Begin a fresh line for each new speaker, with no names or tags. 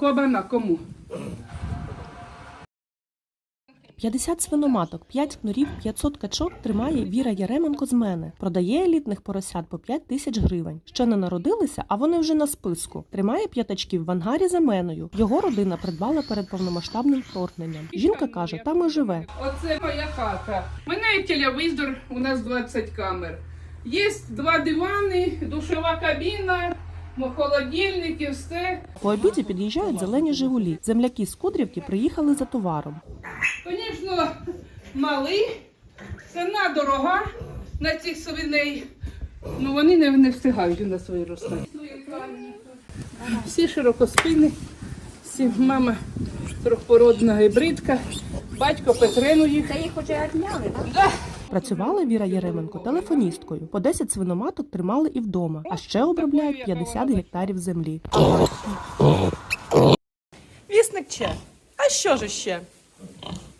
кабана кому?
50 свиноматок, 5 кнурів, 500 качок тримає Віра Яременко з мене. Продає елітних поросят по 5 тисяч гривень. Ще не народилися, а вони вже на списку. Тримає п'ятачків в ангарі за меною. Його родина придбала перед повномасштабним вторгненням. Жінка каже, там і живе.
Оце моя хата. У мене є телевізор, у нас 20 камер. Є 2 дивани, душова кабіна, холодильник і все.
По обіді під'їжджають зелені «Жигулі». Земляки з Кудрівки приїхали за товаром.
Звісно, малий, ціна дорога на цих свиней. Ну, вони не встигають у нас виростати. Всі широкоспини, всі мама трьохпородна гібридка, батько Петренуїх.
Та їх уже відняли, так?
Да.
Працювала Віра Яременко телефоністкою. По 10 свиноматок тримали і вдома, а ще обробляють 50 гектарів землі.
Вісник Че. А що ж ще?